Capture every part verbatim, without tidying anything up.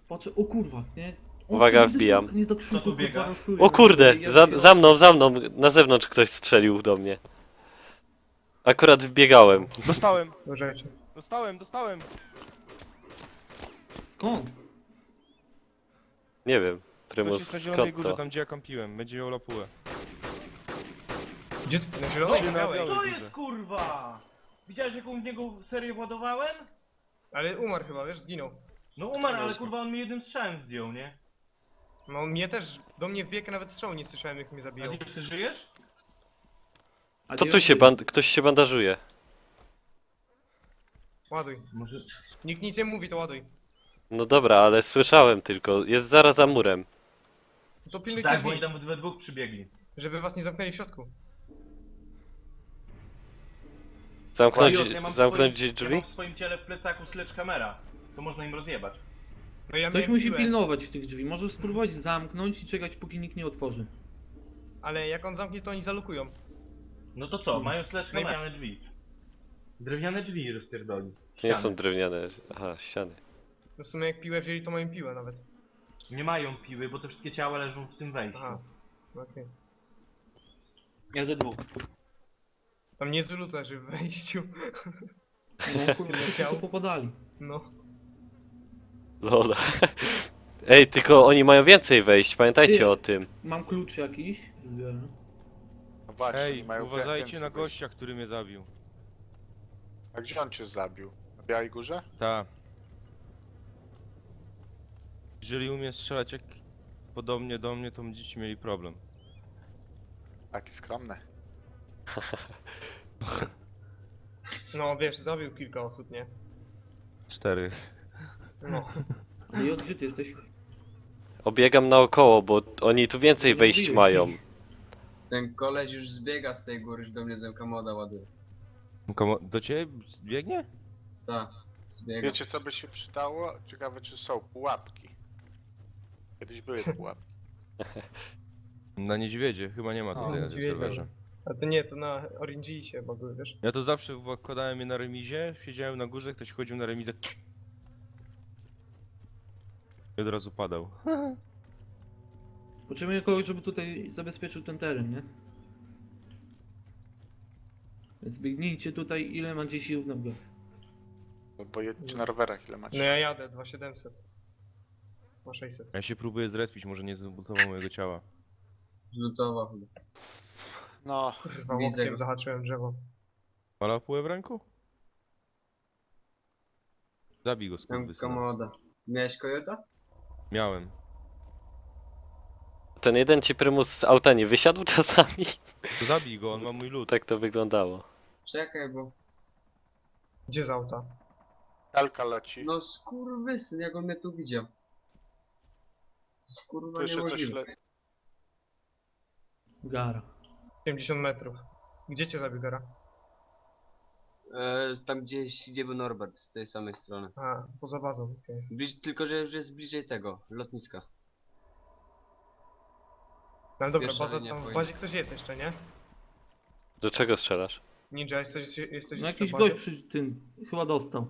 Patrzę, o kurwa, nie? On Uwaga, chce do wbijam. środka, Nie do krzyku, tu biega? kurwa, raszuje. O kurde, Ja za, biegam. za mną, za mną, na zewnątrz ktoś strzelił do mnie. Akurat wbiegałem. Dostałem, Uważajcie. dostałem, dostałem. Skąd? Nie wiem, Ktoś Prymus, jest na zielonej skąd górze, to? tam gdzie ja kampiłem. Będzie miał lapułę. Gdzie ty? Na zielonej? No, Na białej. na To białej. jest kurwa! Widziałeś jaką w niego serię władowałem? Ale umarł chyba, wiesz, zginął. No umarł, ale kurwa on mi jednym strzałem zdjął, nie? No mnie też, do mnie wbiegł, nawet strzału nie słyszałem jak mnie A zabijał. ty, ty żyjesz? A Co ty tu ją- się band... Ktoś się bandażuje. Ładuj. Może... Nikt nic nie mówi, to ładuj. No dobra, ale słyszałem tylko. Jest zaraz za murem. To pilnujcie Tak, bo oni drzwi, tam we dwóch przybiegli. żeby was nie zamknęli w środku. Zamknąć, Ja mam w zamknąć swoim- Ja drzwi? mam w swoim ciele w plecaku sledgehammera. To można im rozjebać. No ja Ktoś miałem musi piłę, pilnować tych drzwi. Możesz spróbować zamknąć i czekać, póki nikt nie otworzy. ale jak on zamknie, to oni zalukują. No to co, mają sledgehammera. Drewniane drzwi. Drewniane drzwi rozpierdoli. To nie Ściany. są drewniane. Aha, ściany. No w sumie jak piłę wzięli, to mają piłę nawet. Nie mają piły, bo te wszystkie ciała leżą w tym wejściu. Aha. Okej. Ja ze dwóch. Tam niezły lód leży w wejściu. No kurwa, wszyscy Chciał. tu popadali. No. Lol. Ej, tylko oni mają więcej wejść, pamiętajcie Ty. o tym. Mam klucz jakiś, zbiorę. No właśnie, Ej, oni mają uważajcie więcej na wyjść. gościa, który mnie zabił. A gdzie on cię zabił? Na Białej Górze? Ta. Jeżeli umie strzelać jak podobnie do mnie, to będziecie mieli problem. Taki skromny. No wiesz, zabił kilka osób, nie? Cztery. No. Ale Jos, gdzie ty jesteś? Obiegam naokoło, bo oni tu więcej Nie wejść mówiłeś mają. mi. Ten koleś już zbiega z tej góry, że do mnie zemka moda ładuje. Komu... Do ciebie biegnie? Tak, zbiega. Wiecie co by się przydało? Ciekawe czy są pułapki. Kiedyś były pułapki. Na niedźwiedzie, chyba nie ma A, tutaj na tym niedźwiedzie. serwerze. A to nie, to na R N G się bagły, wiesz? Ja to zawsze wkładałem je na remizie, siedziałem na górze, ktoś chodził na remizę i od razu padał. Potrzebuję kogoś, żeby tutaj zabezpieczył ten teren, nie? Więc biegnijcie tutaj, ile macie sił w nogach. No bo jedźcie na rowerach ile macie. No ja jadę, dwa tysiące siedemset. Ma sześćset. Ja się próbuję zrespić, może nie zbudował mojego ciała. Zlutował chyba. No, Kurwa, Widzę łokciem go. zahaczyłem drzewo. Ma lapułę w ręku? Zabij go, Zemka skurwysyn. moda. Miałeś kojota? Miałem. Ten jeden ci Prymus z auta nie wysiadł czasami? To zabij go, on ma mój lód. Tak to wyglądało. Czekaj, bo... Gdzie z auta? kalka leci. No skurwysyn, jak on mnie tu widział. Skurwa Słyszę coś niemożliwe. le... Gara. siedemdziesiąt metrów. Gdzie cię zabił Gara? E, tam gdzieś, gdzie był Norbert, z tej samej strony. A, poza bazą, okej. Bliż, tylko, że już jest bliżej tego, lotniska. No dobra, Pierwsza baza, linia tam w powinna. bazie ktoś jest jeszcze, nie? Do czego strzelasz? Ninja, jesteś, jesteś No jeszcze jakiś w bazie? gość przy tym, chyba dostał.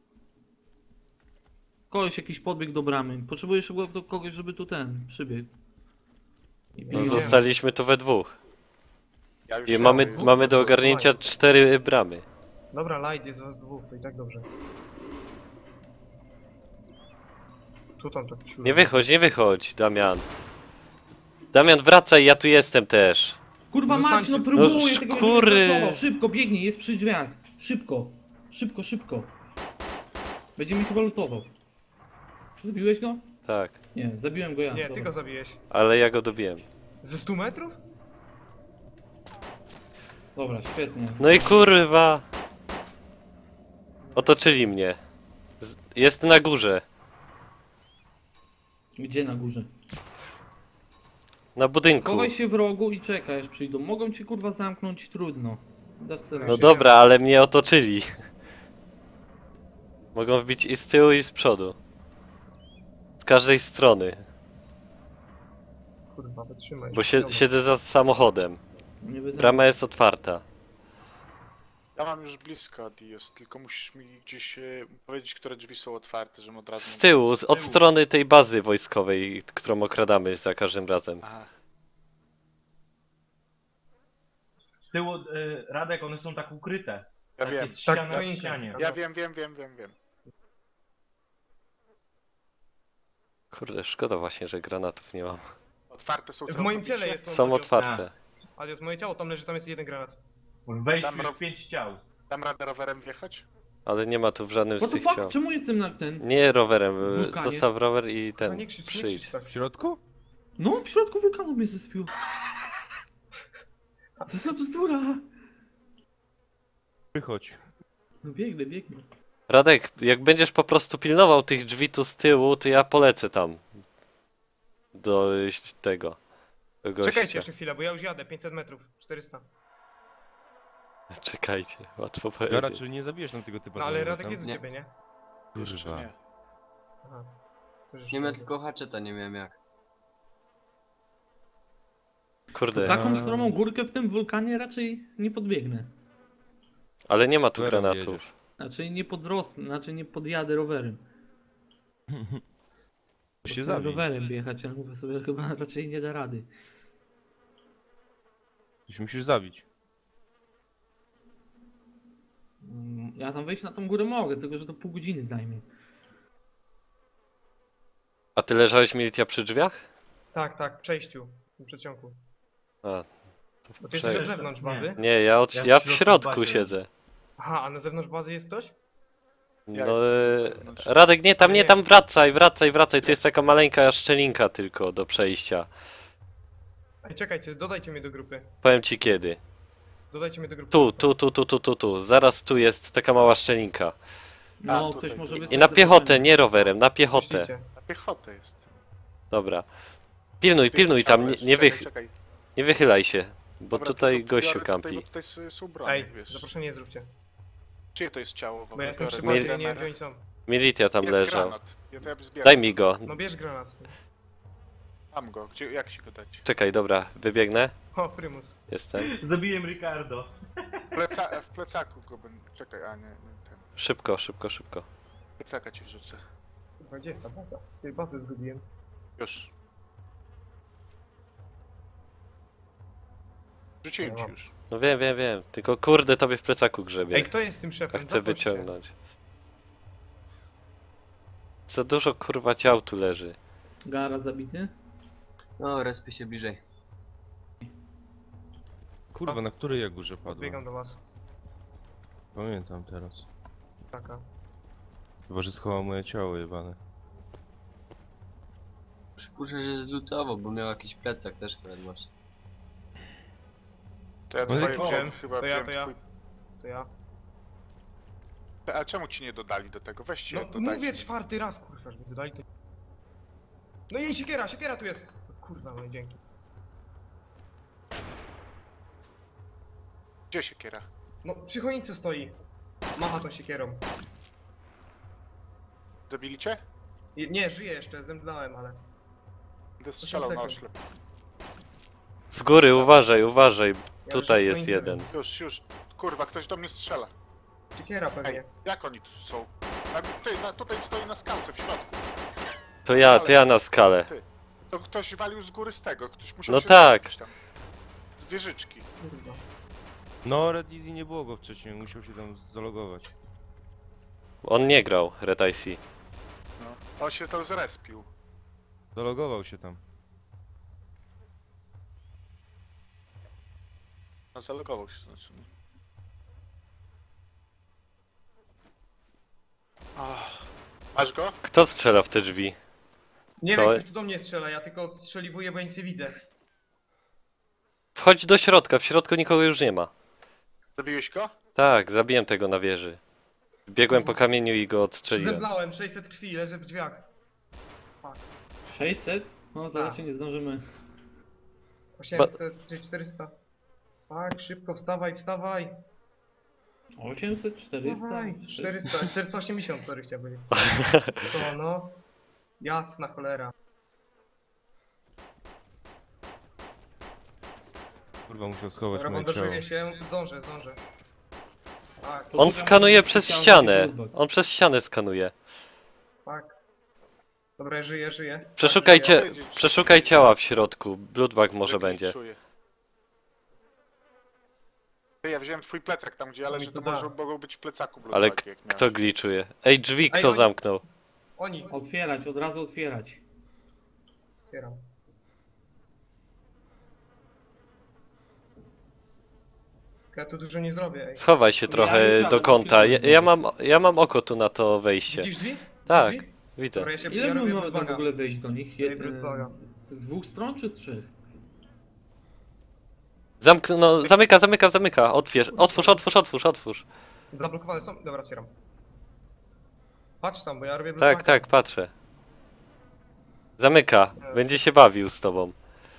Koleś jakiś podbiegł do bramy. Potrzebujesz chyba do kogoś, żeby tu ten przybiegł. I No pilnował. zostaliśmy tu we dwóch. Ja już I jadę, mamy, jest- mamy do ogarnięcia cztery bramy. Dobra, light jest was dwóch, to i tak dobrze. Tu tam tak ciul. Nie wychodź, nie wychodź, Damian. Damian, wracaj, ja tu jestem też. Kurwa Zostańcie- mać, no próbuję No, tego nie szkury. będę zastosował. Szybko, biegnij, jest przy drzwiach. Szybko, szybko, szybko. Będzie mi chyba lutował. Zabiłeś go? Tak, Nie, zabiłem go ja. Nie, dobra. ty go zabiłeś. ale ja go dobiłem. Ze stu metrów? Dobra, świetnie. No i kurwa. Otoczyli mnie. Z- Jest na górze. Gdzie na górze? Na budynku. Chowaj się w rogu i czekaj aż przyjdą. Mogą cię kurwa zamknąć, trudno. Dasz sobie No radę. dobra, ale mnie otoczyli. Mogą wbić i z tyłu, i z przodu. Z każdej strony. Kurwa, wytrzymaj. Bo się, Dobra. siedzę za samochodem. Nie będę... Brama jest otwarta. Ja mam już blisko Adios, tylko musisz mi gdzieś e, powiedzieć, które drzwi są otwarte, żebym od razu... Z tyłu, z, od strony tej bazy wojskowej, którą okradamy za każdym razem. Aha. Z tyłu, y, Radek, one są tak ukryte. Ja Tak wiem. jest ściana Tak, na ścianie. Ja wiem, wiem, wiem, wiem, wiem. Kurde, szkoda właśnie, że granatów nie mam. Otwarte są W moim całkowicie. ciele jest. Są Adios. otwarte. Adios, moje ciało, tam leży, tam jest jeden granat. W wejściu Tam ro- jest pięć ciał. Dam radę rowerem wjechać? Ale nie ma tu w żadnym z What the tych fuck? ciał. Czemu jestem na ten? Nie rowerem, y, Wulkanie? zostaw rower i No ten, nie krzycz, nie przyjdź. krzycz tak. W środku? No, w środku wulkanu mnie zespił. Co za bzdura? Wychodź. No biegnę, biegnę. Radek, jak będziesz po prostu pilnował tych drzwi tu z tyłu, to ja polecę tam. Do y, tego. Do gościa. Czekajcie jeszcze chwilę, bo ja już jadę, pięćset metrów, czterysta. Czekajcie, łatwo Ja powiedzieć. raczej nie zabijesz tam tego typa. No ale samego Radek tam. jest u Nie. ciebie, nie? Jeszcze Kurwa. nie. Aha. To już Nie miałem dobrze. tylko haczeta, nie miałem jak. Kurde, Taką Eee. stromą górkę w tym wulkanie raczej nie podbiegnę. ale nie ma tu Rowerem granatów. jedziesz. Znaczy nie podrosnę, znaczy nie podjadę rowerem. To Bo się chcę zabij. rowerem jechać, ale mówię sobie, chyba raczej nie da rady. To się musisz zabić. Mm, Ja tam wejść na tą górę mogę, tylko że to pół godziny zajmie. A ty leżałeś militia przy drzwiach? Tak, tak, w przejściu, w przedsionku. A, to Bo ty jesteś prze- od zewnątrz Nie. bazy? Nie, ja, od, Ja w ja w środku środku bazy. siedzę. Aha, a na zewnątrz bazy jest ktoś? Ja No, jestem e, tu z zewnątrz. Radek, nie, tam, nie, Nie. tam wracaj, wracaj, wracaj. To jest taka maleńka szczelinka tylko do przejścia. Ej, czekajcie, dodajcie mnie do grupy. Powiem ci kiedy. Dodajcie mnie do grupy. Tu, tu, tu, tu, tu, tu, tu. Zaraz tu jest taka mała szczelinka. No, tutaj. ktoś może I wysłać I na za piechotę, rowerem. nie rowerem, na piechotę. Myślicie? Na piechotę jest. Dobra. Pilnuj, pilnuj tam, nie, nie, Czekaj, wych, czekaj. nie wychylaj się. Bo Dobra, tutaj to- to gościu biorę kampi. Tutaj, bo tutaj s- są broni, Ej, wiesz. zaproszenie zróbcie. Czyje to jest ciało w Bo ogóle? ja jestem przy Biorę bazie, ja nie wiem D M R. gdzie oni są. Militia tam Jest leżał. granat. Ja to ja zbieram. Daj mi go. No bierz granat. Mam go. Gdzie, jak ci go dać? Czekaj, dobra, wybiegnę. O, prymus. Jestem. Zabiłem Ricardo. W, pleca, w plecaku go będę... Czekaj, a nie, nie ten. Szybko, szybko, szybko. Plecaka ci wrzucę. Kurwa, gdzie jest ta baza? Tej bazy zgubiłem. Już. Rzuciłem ci mam. już. No wiem, wiem, wiem. Tylko kurde tobie w plecaku Ej, grzebie. kto jest tym A szefem? chcę Zaproście. wyciągnąć. Za dużo kurwa ciał tu leży. Gara zabity? No, respy się bliżej. Kurwa, na której ja górze padłem? Biegam do was. Pamiętam teraz. Taka. Chyba, że schował moje ciało jebane. Przypuszczam, że zlutował, bo miał jakiś plecak też akurat właśnie. To ja No i twoje o, wziąłem, chyba to ja, wziąłem to ja. twój... To ja. A czemu ci nie dodali do tego? Weźcie, No dodajcie. mówię czwarty raz, kurwa, żeby dodali to. No i siekiera, siekiera tu jest! Kurwa, no i dzięki. Gdzie siekiera? No, przy choince stoi. Macha tą siekierą. Zabili cię? I- Nie, żyje jeszcze, zemdlałem, ale... Będę strzelał na sekund. oślep. Z góry, uważaj, uważaj. Ja Tutaj już jest w choince, jeden. więc- Już, już. Kurwa, ktoś do mnie strzela. Siekiera pewnie. Ej, jak oni tu są? Na, ty, na, tutaj stoi na skałce w środku. To ja, to ja na skalę. To ktoś walił z góry z tego, ktoś musiał No się tak. zespić tam. Z wieżyczki. Kurwa. No, Red Easy nie było go wcześniej, musiał się tam zalogować. On nie grał, Red I C. No. On się to zrespił. Zalogował się tam. No zalogował się znaczy. nie? Ach. Masz go? Kto strzela w te drzwi? Nie To- wiem, ktoś tu do mnie strzela, ja tylko strzeliwuję, bo ja nic nie widzę. Wchodź do środka, w środku nikogo już nie ma. Zabiłeś go? Tak, zabiłem tego na wieży. Biegłem po kamieniu i go odstrzeliłem. Zemdlałem, sześćset krwi, leżę w drzwiach. sześćset? No to Tak. raczej nie zdążymy. osiemset czy czterysta. Tak, szybko, wstawaj, wstawaj. osiemset, czterysta? Wstawaj. czterysta, czterysta osiemdziesiąt, sorry, chciałem powiedzieć. To no. Jasna cholera. Kurwa, musiał schować Dobra, moje ciało. bandażuję się, zdążę, zdążę. Tak, On Poszukam skanuje przez specjalny ścianę. bloodbag. On przez ścianę skanuje. tak. Dobra, ja żyję, żyję. Przeszukajcie, wiedzieć, czy- przeszukaj ciała w środku. Bloodbag może Że będzie. glitchuje. Ty, ja wziąłem twój plecak tam, gdzie ja leżę, to da. może mogą być w plecaku Ale bloodbagi, k- jak miałeś. kto glitchuje? Ej, drzwi Ej, kto oni- zamknął? Oni. Otwierać, od razu otwierać. Otwieram. Ja tu dużo nie zrobię, ej. Schowaj się Ja trochę już do jadę, kąta. Ja, pilnuję. ja, mam, ja mam oko tu na to wejście. Widzisz drzwi? Tak, Drzwi? widzę. Dobra, ja się Ile ja my robię mamy tam w bloodbaga. ogóle wejść do nich? Daj Jed- bloodbaga. z dwóch stron czy z trzech? Zamknę, no zamyka, zamyka, zamyka. Otwierz, otwórz, otwórz, otwórz, otwórz. Zablokowane są? Dobra, otwieram. Patrz tam, bo ja robię Tak, bloodbaga. tak, patrzę. Zamyka. Będzie się bawił z tobą.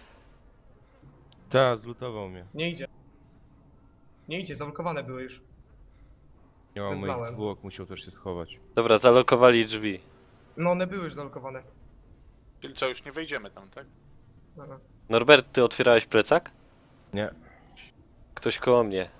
Ta, zlutował mnie. Nie idzie. Nie idzie, zablokowane były już. Nie mam moich Zemdlałem. zwłok, musiał też się schować. Dobra, zalokowali drzwi. No one były już zablokowane. Czyli co, już nie wejdziemy tam, tak? Dobra. Norbert, ty otwierałeś plecak? Nie. Ktoś koło mnie.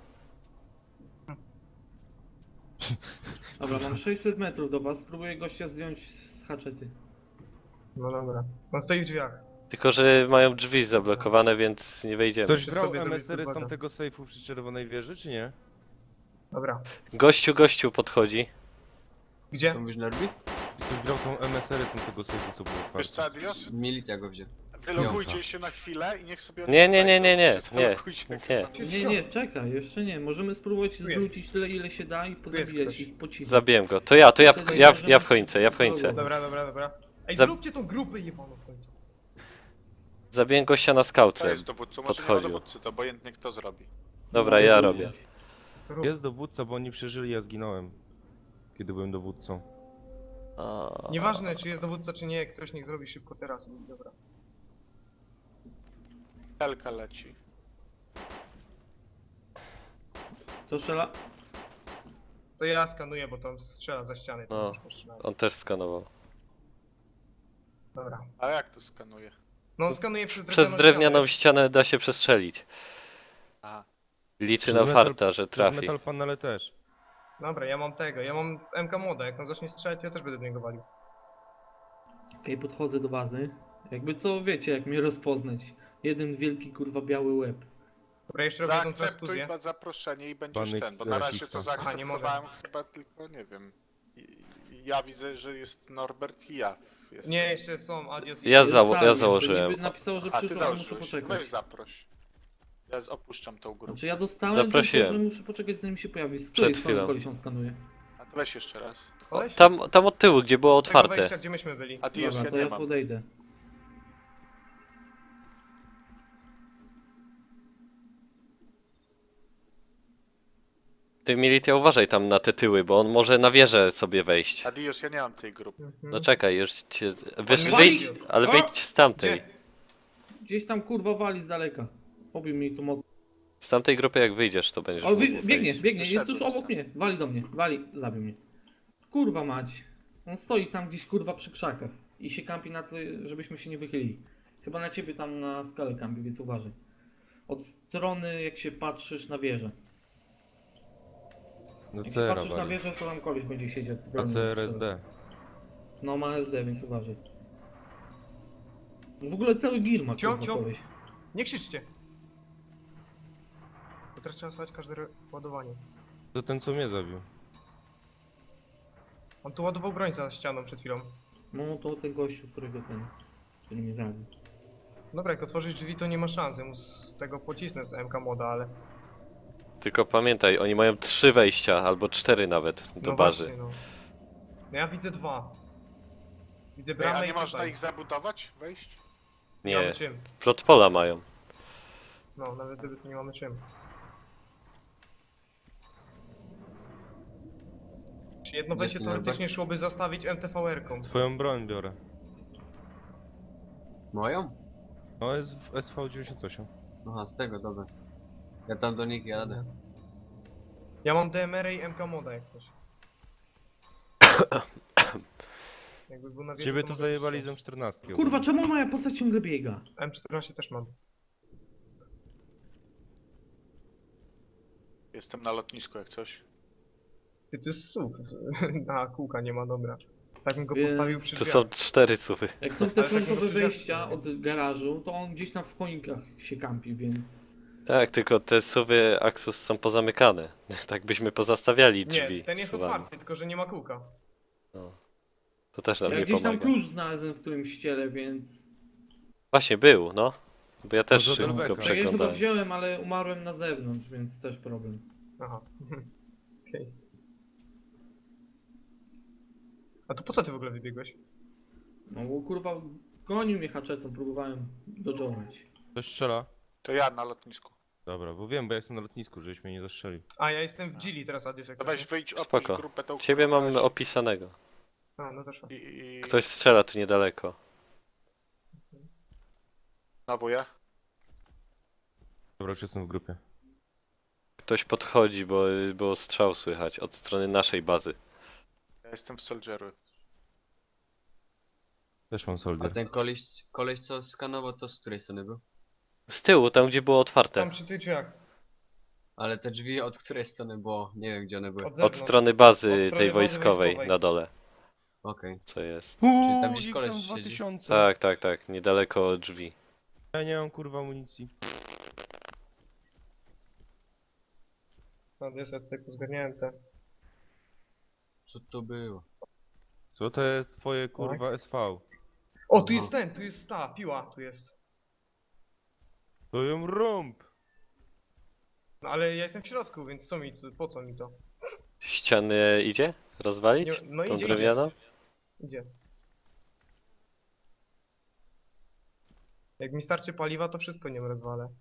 Dobra, mam sześćset metrów do was, spróbuję gościa zdjąć z haczety. No dobra. On stoi w drzwiach. Tylko, że mają drzwi zablokowane, więc nie wejdziemy. Ktoś Muszę brał sobie zrobić M S R y z bloodbaga. tamtego sejfu przy Czerwonej Wieży, czy nie? Dobra. Gościu, gościu podchodzi. Gdzie? Co mówisz, Norbi? Ktoś brał tą M S R y z tamtego sejfu, co było Wiesz co, otwarte. Adios? Milicja go wziął. Wylogujcie Piąta. się na chwilę i niech sobie oni Nie, nie, nie, wejdą. nie, nie, Się nie, zalogujcie, nie. kurwa. Nie, nie, czekaj, jeszcze nie. Możemy spróbować Tu jest. zwrócić tyle, ile się da i pozabijać ktoś. ich po cichu. Zabiłem go. To ja, to ja, Wtedy ja, możemy- ja w choince, ja w choince. Dobra, dobra, dobra. Ej, Za- zróbcie tą grupę jebaną w końcu. Zabiłem gościa na To skałce. jest dowódcą, może nie ma podchodził. dowódcy, to obojętnie kto zrobi. Dobra, ja robię. Rób. Jest dowódca, bo oni przeżyli, ja zginąłem. Kiedy byłem dowódcą. A, Nieważne czy jest dowódca czy nie, ktoś niech zrobi szybko teraz. Dobra. Helka leci. To strzela. To ja skanuję, bo tam strzela za ściany. to No. już postrzelam. on też skanował. Dobra. A jak to skanuje? No on skanuje przez drewnianą Przez drewnianą ścianę. ścianę da się przestrzelić. Aha. Liczy Przez na metal- farta, że Przez trafi. metal panele też. Dobra, ja mam tego, ja mam M K moda, jak on zacznie strzelać, ja też będę do niego walił. Okej, podchodzę do bazy. Jakby co, wiecie, jak mnie rozpoznać. Jeden wielki, kurwa, biały łeb. Dobra, jeszcze robię tą Zaakceptuj transfuzję. ba- zaproszenie i będziesz Pan ten, bo na razie rasista. to Aha, nie mogę. zaakceptowałem chyba tylko, nie wiem. I- Ja widzę, że jest Norbert i ja. Jestem. Nie, jeszcze są, adios. Ja Jest zało- tam ja jeszcze, założyłem. niby Napisało, że A ty przyszło, ale muszę założyłeś. poczekać. Weź zaproś. Ja z- opuszczam tą grupę. Znaczy ja dostałem, Zaprosiłem. tylko, że muszę poczekać zanim się pojawi. Z Przed której strony chwilą. koleś on skanuje? A to weź jeszcze raz. O, Koleś? tam, tam od tyłu, gdzie było Tego otwarte. wejścia, gdzie myśmy byli. Adios, Dobra, ja to nie ja mam. podejdę. Ty Militia uważaj tam na te tyły, bo on może na wieżę sobie wejść. Adios, ja nie mam tej grupy. Mhm. No czekaj, już cię... Wiesz, mnie wyjdź, wali. ale O! wyjdź z tamtej. Gdzie? Gdzieś tam kurwa wali z daleka. Pobił mi tu moc. Z tamtej grupy jak wyjdziesz, to będziesz O, wy, mógł biegnie, wejść. biegnie, jest Wyszedłem tuż obok stąd. mnie. Wali do mnie, wali, zabił mnie. Kurwa mać. On stoi tam gdzieś kurwa przy krzakach. I się kampi na to, żebyśmy się nie wychylili. Chyba na ciebie tam na skalę kampi, więc uważaj. Od strony jak się patrzysz na wieżę. No Jak C się R patrzysz na wali. wieżę, to tam koleś będzie siedzieć z A bronią C R strzelać. S D. No ma S D, więc uważaj. W ogóle cały gil ma Cio, kurwa cio. koleś. Nie krzyczcie! Bo teraz trzeba słuchać każde re- ładowanie. To ten, co mnie zabił. On tu ładował broń za ścianą przed chwilą. No to ten gościu, którego ten, który mnie zabił. Dobra, jak otworzysz drzwi, to nie ma szans. Ja mu z tego pocisnę z M K moda, ale... Tylko pamiętaj, oni mają trzy wejścia, albo cztery nawet do no bazy. Właśnie, no. no ja widzę dwa. Widzę Ej, bramę a i nie można tutaj. ich zabudować? Wejść? Nie mamy Nie, czym. plot pola mają. No, nawet gdyby to nie mamy czym. Czy jedno Gdzie wejście jest teoretycznie Norbert? szłoby zastawić M T V R-ką. Twoją broń biorę. Moją? No jest w S V dziewięćdziesiąt osiem. Aha, z tego, dobra. Ja tam do nich jadę. Ja mam D M R i M K moda jak coś. Jakby był na wieży, Ciebie to tu mogę zajebali z strzelać. M czternaście. Kurwa, czemu moja postać ciągle biega? M czternaście też mam. Jestem na lotnisku jak coś. Ty, to jest słów. A, kółka nie ma, dobra. Tak bym go Wie- postawił przy Tu drzwiach. są cztery suwy. Jak są te Ale tak frontowe może wejścia drzwiach- od garażu, to on gdzieś tam w koinkach się kampi, więc... Tak, tylko te suwy Axus są pozamykane. Tak byśmy pozastawiali drzwi. Nie, ten jest suwami. otwarty, tylko że nie ma kółka. To też nam Ja nie gdzieś tam pomaga. klucz znalazłem w którymś ściele, więc... Właśnie był, no. Bo ja też Może od szybko Rebeka. Tak, ja chyba przeglądałem. wziąłem, ale umarłem na zewnątrz, więc też problem. Aha. Okej. A to po co ty w ogóle wybiegłeś? No bo kurwa, gonił mnie haczetą, próbowałem dodżować. Ktoś strzela? To ja na lotnisku. Dobra, bo wiem, bo ja jestem na lotnisku, żebyś mnie nie zastrzelił. A, ja jestem w Gili teraz, Adios, jak To to weź jest? wyjdź, opuść Spoko. grupę tą Ciebie mam kurwa, opisanego. A, no to szło. i, i... Ktoś strzela tu niedaleko. Znowu ja? Dobra, już jestem w grupie. Ktoś podchodzi, bo było strzał słychać od strony naszej bazy. Ja jestem w Soldieru. Też mam A soldier. ten koleś, koleś co skanował, to z której strony był? Z tyłu, tam gdzie było otwarte. Tam przy tych drzwiach. Ale te drzwi od której strony, bo nie wiem gdzie one były. Od Od zewnątrz. strony bazy Od strony tej bazy wojskowej wojskowej. na dole. Okej. Co jest? Czyli tam gdzieś Uuu, koleś X M siedzi. dwa tysiące. Tak, tak, tak. Niedaleko drzwi. Ja nie mam kurwa amunicji. Adios, ja tutaj pozgarniałem te. Co to było? Co to jest twoje kurwa S V? O, tu Aha. jest ten, tu jest ta, piła, tu jest. To ją rąb! No ale ja jestem w środku, więc co mi tu, po co mi to? Ściany idzie? Rozwalić? Nie, no Tą idzie, drewnianą? Idzie. Jak mi starczy paliwa, to wszystko nie rozwalę.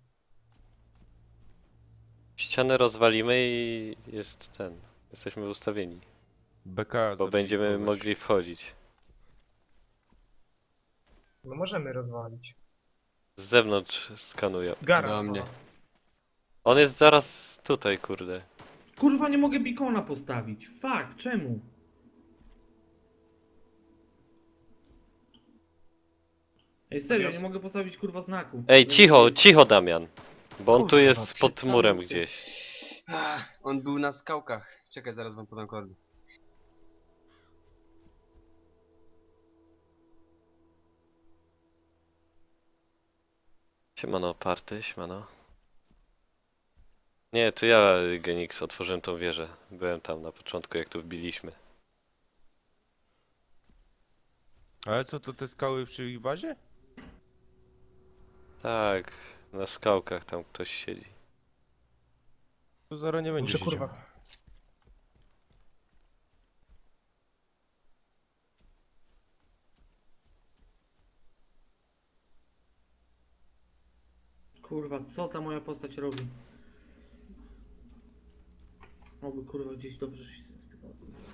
Ścianę rozwalimy i jest ten. Jesteśmy ustawieni. B K. Bo będziemy mogli wchodzić. No możemy rozwalić. Z zewnątrz skanuję. Gara. Do mnie. On jest zaraz tutaj, kurde. Kurwa, nie mogę bikona postawić. Fuck, czemu? Ej, serio, nie mogę postawić kurwa znaku. Ej, cicho, cicho Damian. Bo on tu Kurwa, jest przed pod murem samym- gdzieś. Ach, on był na skałkach. Czekaj, zaraz wam podam kordy. Siemano, party, siemano. Nie, to ja, Genix, otworzyłem tą wieżę. Byłem tam na początku, jak tu wbiliśmy. Ale co, to te skały przy ich bazie? Tak, na skałkach tam ktoś siedzi. Tu zaraz nie będzie Muszę kurwa. siedział. Kurwa, co ta moja postać robi? Oby kurwa gdzieś dobrze się zaspiewał.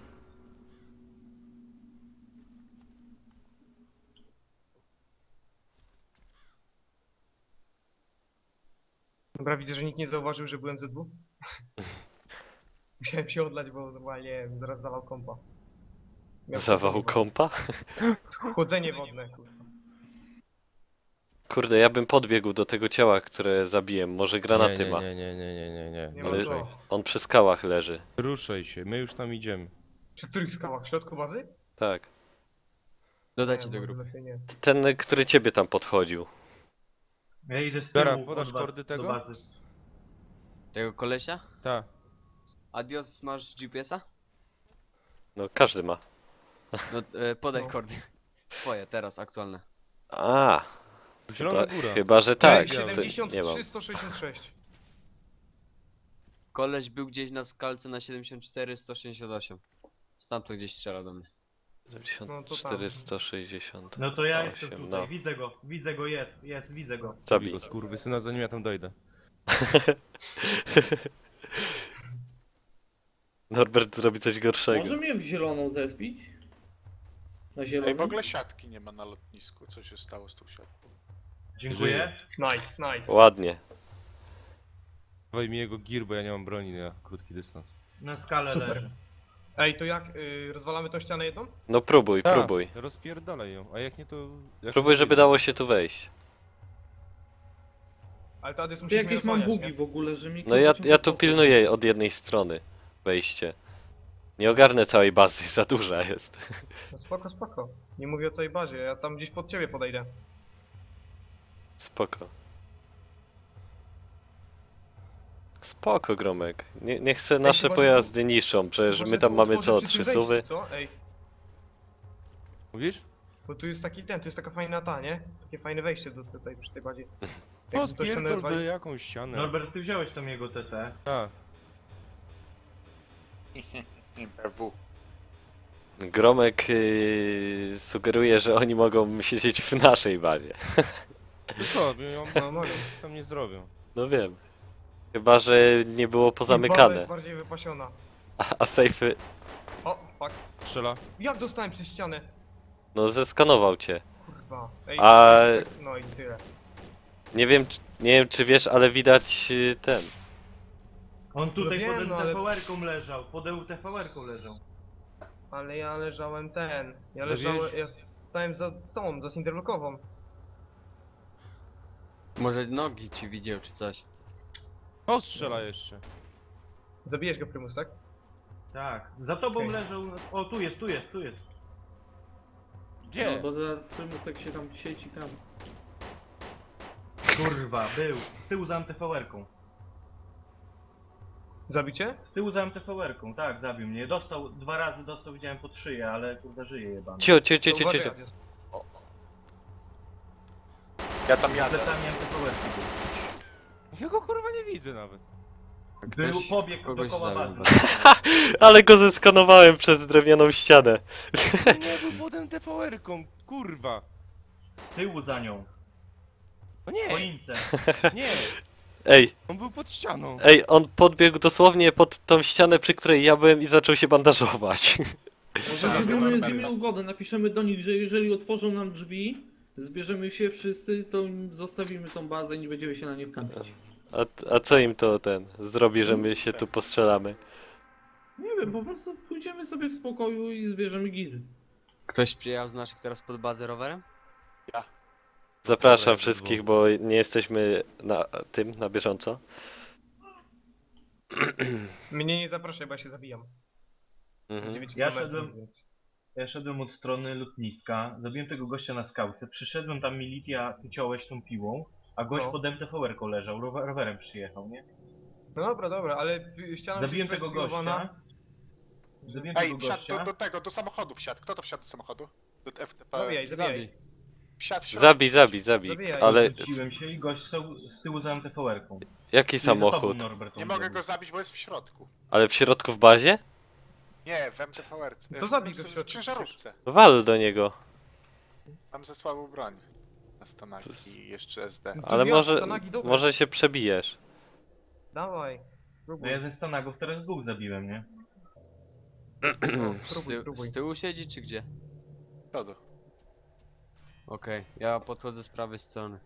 Dobra, widzę, że nikt nie zauważył, że byłem Z dwa. Musiałem się odlać, bo normalnie nie wiem, zaraz zawał kompa. Miał Zawał chłodzenie kompa? wodne. Chłodzenie wodne, kurwa. Kurde, ja bym podbiegł do tego ciała, które zabiłem. Może granaty nie, ma. nie, nie, nie, nie, nie, nie, Nie nie. ma Ale- co. On przy skałach leży. Ruszaj się, my już tam idziemy. Przy których skałach? W środku bazy? Tak. Dodajcie Nie, do może grupy. lepiej nie. Ten, który ciebie tam podchodził. Ja idę z Dobra, tyłu podasz od was kordy do tego? bazy. Tego kolesia? Ta. Adios, masz G P S a? No, każdy ma. No, e, podaj No. kordy. Swoje, teraz, aktualne. A, Zielona chyba, góra. chyba że tak. Ej, To nie mam. siedemdziesiąt trzy sto sześćdziesiąt sześć. Koleś był gdzieś na skalce na siedemdziesiąt cztery sto sześćdziesiąt osiem. Stamtąd gdzieś strzelał do mnie. No to dziewięćdziesiąt cztery, sto sześćdziesiąt. No to ja jestem Osiem, tutaj, no. widzę go, widzę go, jest, jest, widzę go. Zabij. Go skurwysyna, zanim ja tam dojdę. Norbert zrobi coś gorszego. Może mnie w zieloną zespić? Na zieloną? Ej, w ogóle siatki nie ma na lotnisku. Co się stało z tą siatką? Dziękuję. Nice, nice. Ładnie. Dawaj mi jego gear, bo ja nie mam broni na krótki dystans. Na skalę Super. leży. Ej, to jak? Y, rozwalamy tą ścianę jedną? No próbuj, Ta, próbuj. Rozpierdalaj ją, a jak nie to... Jak Próbuj, nie żeby wyjdzie. dało się tu wejść. Ale to Adys Ty musi jakieś mam bugi w ogóle, że mi No ja, kurwa ja tu ciągle pilnuję od jednej strony wejście. Nie ogarnę całej bazy, za duża jest. No spoko, spoko. Nie mówię o całej bazie, ja tam gdzieś pod ciebie podejdę. Spoko. Spoko, Gromek. Nie, niech se nasze chyba, że- pojazdy niszczą, przecież Może my tam tu mamy otworzyć co, przy tym trzy suwy? wejściu, Co? Ej, Mówisz? bo tu jest taki ten, tu jest taka fajna ta, nie? Takie fajne wejście do tutaj przy tej bazie. O, Jakby to się spierdol nazwali- byle jakąś ścianę. Norbert, ty wziąłeś tam jego T T. Tak. B W. Gromek yy, sugeruje, że oni mogą siedzieć w naszej bazie. No co, ją No mogę. tam nie zrobią. No wiem. Chyba, że nie było Baza pozamykane. jest bardziej wypasiona. A, a sejfy... O, fuck. Strzela. Jak dostałem przez ścianę? No zeskanował cię. Kurwa. Ej, A- no i tyle. Nie wiem, czy- nie wiem czy wiesz, ale widać yy, ten. On tutaj No wiem, pod no ale- T V R-ką leżał, pod E U T V R-ką leżał. Ale ja leżałem ten. Ja No leżałem. wiesz- Ja stałem za tą, za Cinderlockową. Może nogi ci widział czy coś. O, strzela jeszcze. Zabijesz go, Prymus, tak? Tak. Za tobą Okej. leżał... O, tu jest, tu jest, tu jest. Gdzie? No bo teraz Prymusek się tam sieci tam. Kurwa, był. Z tyłu za M T V R-ką. Zabicie? Z tyłu za M T V R-ką, tak, zabił mnie. Dostał, dwa razy dostał, widziałem pod szyję, ale kurwa żyje jebany. Cio, cio, cio, To cio, uważaj, cio. Adios. Ja tam Z jadę. plecami M T V R-ki był. Ja go kurwa nie widzę nawet. Był, Ktoś pobiegł kogoś dookoła zabił. bazy. Ale go zeskanowałem przez drewnianą ścianę. Nie był potem T V R-ką, kurwa. Z tyłu za nią. No W nie, choince. nie. Ej, On był pod ścianą. ej, on podbiegł dosłownie pod tą ścianę, przy której ja byłem i zaczął się bandażować. Może Zabił zrobimy z Norberta. nimi ugodę, napiszemy do nich, że jeżeli otworzą nam drzwi, zbierzemy się wszyscy, to zostawimy tą bazę i nie będziemy się na nie kampić. A, a co im to ten zrobi, że my się tu postrzelamy? Nie wiem, po prostu pójdziemy sobie w spokoju i zbierzemy giry. Ktoś przyjechał z naszych teraz pod bazę rowerem? Zapraszam Dobra, wszystkich, bo nie jesteśmy na tym, na bieżąco. Mnie nie zapraszaj, bo ja się zabijam. Mhm. dziewięć Ja kilometrów, szedłem- więc- Ja szedłem od strony lotniska, zabiłem tego gościa na skałce, przyszedłem tam militia, ty ciąłeś tą piłą, a gość No. pod M T V R-ką leżał, rower, rowerem przyjechał, nie? No dobra, dobra, ale y, ściana już Zabiłem jest tego rozpiłowana. gościa. Zabiłem Ej, tego wsiadł gościa. do, do tego, do samochodu wsiadł. Kto to wsiadł do samochodu? Do F T P. Zabijaj, zabijaj. Zabij. Wsiadł, wsiadł. Zabij, zabij, zabij. Zabijaj. Ale Wróciłem się i gość stał z tyłu za M T V R-ką. jaki I za tobą, samochód? Norbert, Nie on mogę biegł. go zabić, bo jest w środku. Ale w środku w bazie? Nie, w M T V R. No to zabij go w w środku. ciężarówce. Wal do niego. Mam za słabą broń. Na stanaki i jeszcze S D. To Ale ja, może, to nagi dobre. może się przebijesz. Dawaj. No Próbuj. ja ze Stanagów teraz dwóch zabiłem, nie? No, Z, próbuj, ty próbuj. z tyłu siedzi czy gdzie? Przodu. Okej, ja podchodzę z prawej strony.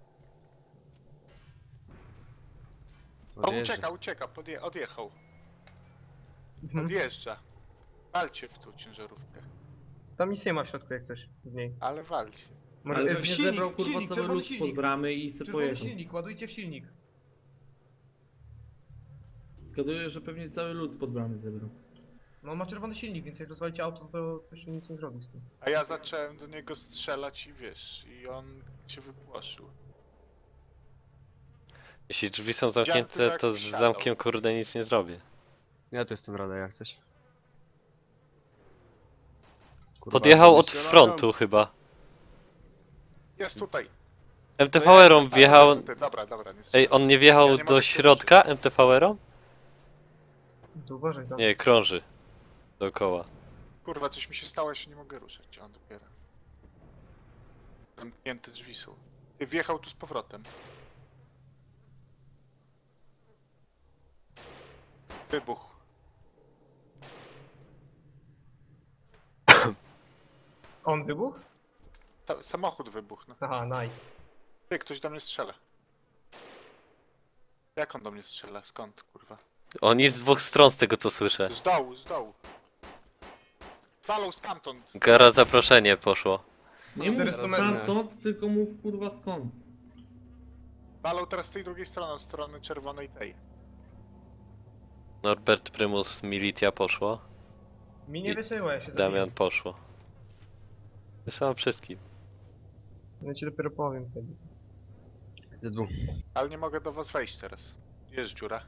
O, Odjeżdża. ucieka, ucieka, podje odjechał. Mhm. Odjeżdża. Walcie w tą ciężarówkę. Tam nic nie ma w środku jak coś w niej. Ale walcie. Może Ale e, w pewnie silnik, zebrał kurwa silnik, cały czerwony lud spod silnik. bramy i se Czerwony pojechał. silnik, ładujcie w silnik. Zgaduję, że pewnie cały lud spod bramy zebrał. No on ma czerwony silnik, więc jak rozwalicie auto, to, to się nic nie zrobi z tym. A ja zacząłem do niego strzelać i wiesz, i on się wypłoszył. Jeśli drzwi są zamknięte, to z zamkiem kurde nic nie zrobię. Ja tu jestem rada jak coś. Kurwa, Podjechał od strzelają. frontu chyba. Jest tutaj. M T V R-om A, wjechał... tutaj, Dobra, dobra, nie Ej, strzelam. on nie wjechał Ja nie mogę do się środka M T V R-om? To uważaj tam. Nie, krąży. Dookoła. Kurwa, coś mi się stało, ja się nie mogę ruszać. On dopiero. Zamknięte drzwi są. Ty wjechał tu z powrotem. Wybuch. On wybuchł? Ta samochód wybuchł. No. Aha, nice. Ty, ktoś do mnie strzela. Jak on do mnie strzela? Skąd, kurwa? On jest z dwóch stron z tego co słyszę. Z dołu, z dołu. Walą stamtąd. Gara zaproszenie poszło. Nie mów czterysta metrów. stamtąd, tylko mów kurwa skąd. Walą teraz z tej drugiej strony, od strony czerwonej tej. Norbert Prymus Militia poszło. Mi nie I- wysyła, ja się Damian zabiję. poszło. Wysyłam wszystkim. Ja ci dopiero powiem wtedy. Ze dwóch. Ale nie mogę do was wejść teraz. Jest dziura.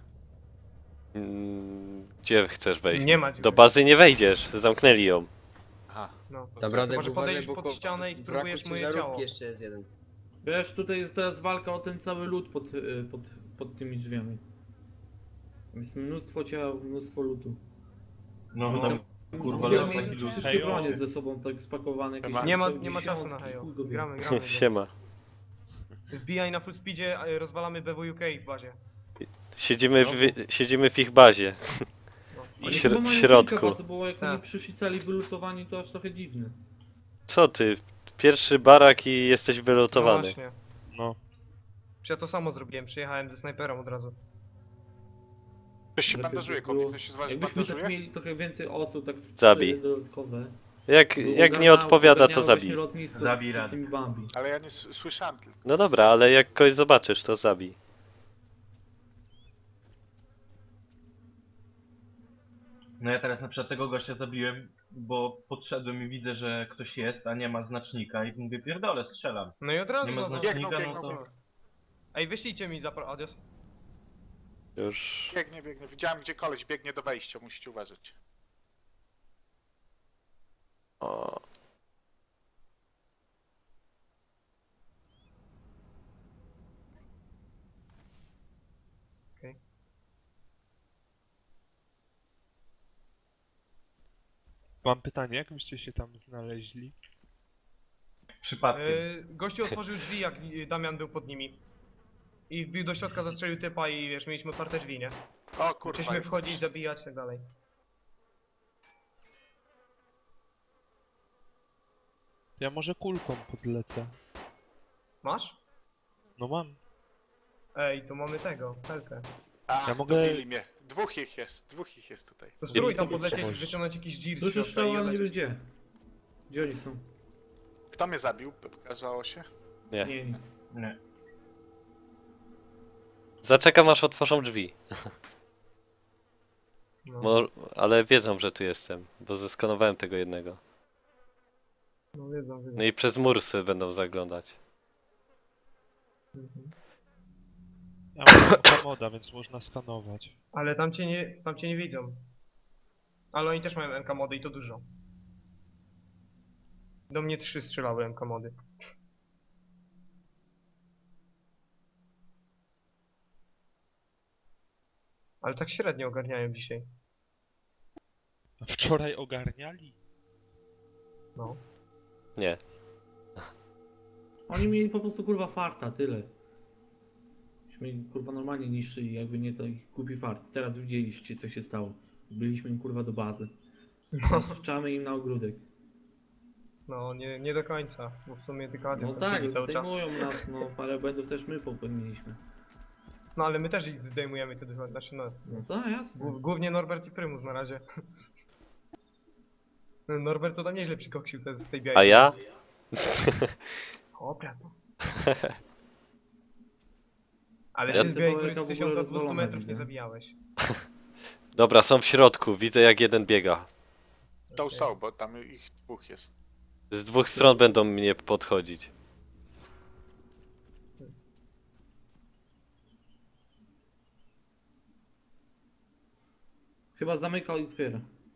Mm, Gdzie chcesz wejść? Nie ma Do dziury. bazy nie wejdziesz, zamknęli ją. Aha. No. Dobra, Może uważaj, podejdziesz bo pod ko- ścianę i w spróbujesz braku moje ciężarówki ciało. jeszcze jest jeden. Wiesz, tutaj jest teraz walka o ten cały lód pod, y, pod, pod tymi drzwiami. Jest mnóstwo ciał, mnóstwo lutu. No, No, tam, kurwa, Zbieramy ale taki lód. wszystkie bronie ze sobą tak spakowane. jakieś Nie Nie ma, tam nie ma czasu na dziesiątki, hejo. chuj go wie. Gramy, gramy. Siema. Wbijaj na full speedzie, a, y, rozwalamy B W U K w bazie. Siedzimy w, siedzimy w ich bazie. No. W, Oni śr- chyba w mają środku. kilka was, bo jak Tak. oni przyszli cali wylutowani, to aż trochę dziwne. Co ty? Pierwszy barak i jesteś No wylotowany. właśnie. No. Przecież ja to samo zrobiłem, przyjechałem ze snajperem od razu. Ktoś się Lepiej bandażuje, by było- komuś ktoś się z was Jakbyśmy bandażuje? tak mieli trochę więcej osób, tak z Zabij. cztery dodatkowe. Jak, by jak nie ogarniało- odpowiada, to ogarniało właśnie zabij. lotnisko z- Zabij przed radę. tymi Bambi. Ale ja nie s- słyszałem tylko. No dobra, ale jak kogoś zobaczysz, to zabij. No ja teraz na przykład tego gościa zabiłem, bo podszedłem i widzę, że ktoś jest, a nie ma znacznika i mówię, pierdolę, strzelam. No i od razu Nie ma no, znacznika, Biegną, no biegną, to... biegną. Ej, wyślijcie mi zapro... Adios. Już. Biegnie, biegnie. Widziałem, gdzie koleś biegnie do wejścia, musicie uważać. O. Mam pytanie, jak byście się tam znaleźli? Przypadkiem. Yy, gościu otworzył drzwi, jak y, Damian był pod nimi. I wbił do środka, zastrzelił typa i wiesz, mieliśmy otwarte drzwi, nie? O kurwa, Chcieliśmy jest wchodzić, coś. zabijać i tak dalej. Ja może kulką podlecę. Masz? No mam. Ej, tu mamy tego, helkę. A, Ja mogę- dobili mnie. Dwóch ich jest, dwóch ich jest tutaj. To spróbuj tam mogę podlecieć, przechodzić. wyciągnąć jakiś dzir z Słyszysz środka strzał, i ale nie odlecieć. wiem gdzie. Gdzie oni są? Kto mnie zabił? Pokazało się. Nie. Nie, nic. Nie. Zaczekam aż otworzą drzwi. No, Mo ale wiedzą, że tu jestem, bo zeskanowałem tego jednego. no wiedzą, wiedzą. No i przez mur sobie będą zaglądać. Mhm. Ja mam moda, więc można skanować. Ale tam cię nie, tam cię nie widzą. Ale oni też mają M K mody i to dużo. Do mnie trzy strzelały M K mody. Ale tak średnio ogarniają dzisiaj. A wczoraj ogarniali? No. Nie. Oni mieli po prostu kurwa farta, tyle. Myśmy kurwa normalnie niszczyli, jakby nie to ich głupi fart. Teraz widzieliście co się stało. Byliśmy im kurwa do bazy. Teraz wczamy im na ogródek. No, nie, nie do końca, bo w sumie tylko No Adios tak, cały czas. zdejmują nas, no parę błędów też my popełniliśmy. No ale my też ich zdejmujemy to dużo, znaczy no. No tak, jasne. Głów- Głównie Norbert i Prymus na razie. No, Norbert to tam nieźle przykoksił te, z tej białej. A ja? O, prawda. Ale Ja ty z te białej Powerka góry w z ogóle tysiąca dwieście rozwalone metrów nie widzę. zabijałeś. Dobra, są w środku. Widzę jak jeden biega. To Okej. są, bo tam ich dwóch jest. Z dwóch stron będą mnie podchodzić. Chyba zamykał i otwiera.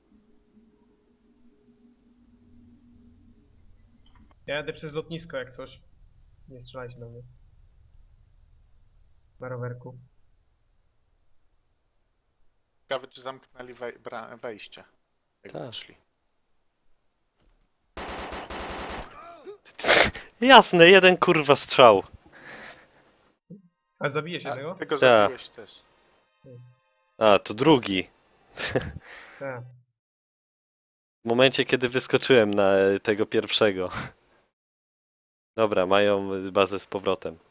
Ja jadę przez lotnisko jak coś. Nie strzelajcie do mnie. Na rowerku. Ciekawe, czy zamknęli wej bra- wejście. Jak Tak. weszli. Jasne, jeden kurwa strzał. A zabijesz jednego? A, ty go Tak. zabiłeś też. A, to drugi. Tak. W momencie, kiedy wyskoczyłem na e, tego pierwszego. Dobra, mają bazę z powrotem.